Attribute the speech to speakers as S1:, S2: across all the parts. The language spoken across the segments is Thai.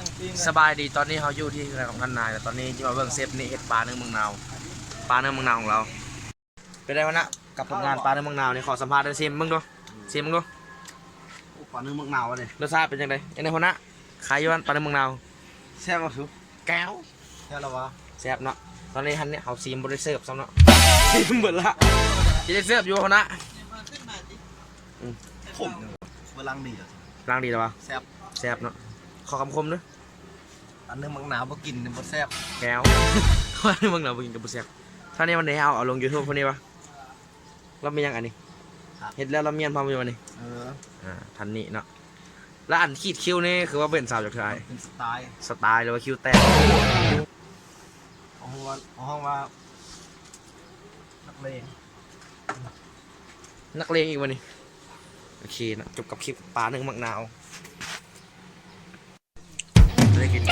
S1: สบายดีตอนนี้เขาอยู่ที่งานของท่านนายแต่ตอนนี้จะมาเบิ่งเซฟนี่เห็ดปลาเนื้อเมืองนาวปลาเนื้อเมืองนาวของเราเป็นไงวะนะกับผลงานปลาเนื้อเมืองนาวนี่ขอสัมภาษณ์ได้ซิมมึงดูซิมมึงดู
S2: ปลาเนื้อเมืองนาวเลย
S1: รสชาติเป็นยังไงยังไงคนนะขายอยู่บ้านปลาเนื้อเมืองนาว
S2: แซ่บสุด
S1: แก้ว
S2: แซ่บแล้ววะ
S1: แซ่บเนาะตอนนี้ฮันเนี่ยเขาซีมบริเซิร์ฟซ้ำเนาะซีมหมดละจะได้เซิร์ฟอยู่คนนะ
S2: ผมเวลาดีอ่ะ
S1: ล้างดีหรอวะ
S2: แซ่บ
S1: แซ่บเนาะขอคำคมด้วย
S2: ปลาเนื้อเมืองนาวมากินมันแซ่บ
S1: แก้วปลาเนื้อเมืองนาวกินกับบุเซียท่านี้วันไหนเอาลง YouTube คนนี้วะเราไม่ยังอันนี้เห็นแล้วเราเมียนพามาอยู่วันนี้ทันนี้เนาะแล้วอันขีดคิ้วนี่คือว่าเป็นสาวจากไทย
S2: เป็นสไต
S1: ล์หรือว่าคิ้วแตก
S2: ห้องว่านักเล
S1: งอีกวันนี้โอเคนะจบกับคลิปปลาเนื้อมักนาวได้กิน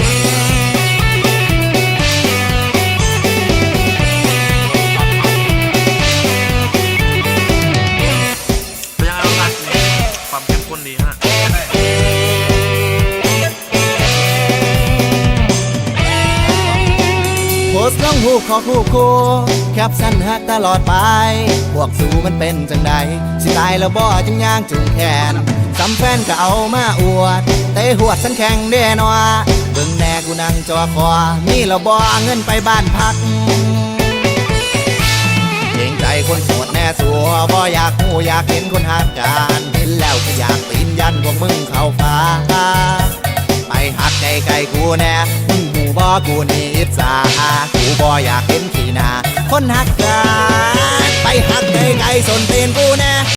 S1: เป็นยังไงบ้างความเข้มข้นดีฮะ
S3: โพสต์ลงหูขอคู่แคปสั้นฮักตลอดไปพวกสู่มันเป็นจังใดสิตายแล้วบ่จึงย่างจุงแขนสำแฟนก็เอามาอวดเตะหวดสันแข่งเด้นวเบิ่งแน่กูนั่งจอคอมีแล้วบ่เงินไปบ้านพักเกรงใจคนโสดแน่สัวบ่อยากหูอยากเห็นคนหักกันเห็นแล้วก็อยากปีนยันพวกมึงเข้าฟ้าไปหักไกลๆกูแน่มึงหูบ่กูนี่อิจฉากูบ่อยากเห็นขี้หน้าคนหักกันไปหักไกลๆสนตีนกูแน่